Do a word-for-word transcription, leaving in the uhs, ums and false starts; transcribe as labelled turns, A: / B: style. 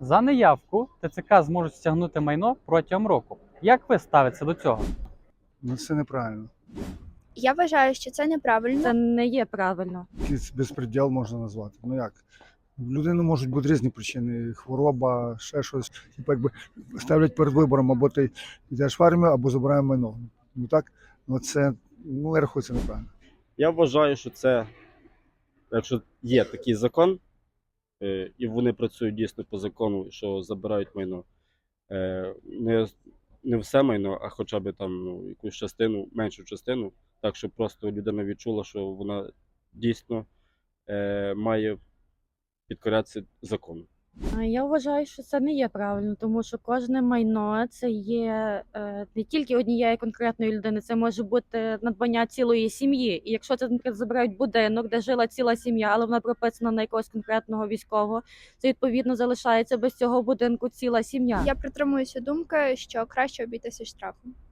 A: За неявку ТЦК зможуть стягнути майно протягом року. Як ви ставитеся до цього?
B: Ну це неправильно.
C: Я вважаю, що це неправильно.
D: Це не є правильно.
B: Якийсь безпреділ можна назвати. Ну як? В людини можуть бути різні причини: хвороба, ще щось. Типу, якби ставлять перед вибором, або ти йдеш в армію, або забираємо майно. Ну так, ну це ну я рахую, це неправильно.
E: Я вважаю, що це, якщо є такий закон, е, і вони працюють дійсно по закону, що забирають майно, е, не, не все майно, а хоча б там ну, якусь частину, меншу частину, так, щоб просто людина відчула, що вона дійсно е, має підкорятися закону.
D: А Я вважаю, що це не є правильно, тому що кожне майно це є е, не тільки однієї конкретної людини, це може бути надбання цілої сім'ї. І якщо це, наприклад, забирають будинок, де жила ціла сім'я, але вона прописана на якогось конкретного військового, це відповідно залишається без цього будинку ціла сім'я.
C: Я притримуюся думки, що краще обійтися штрафом.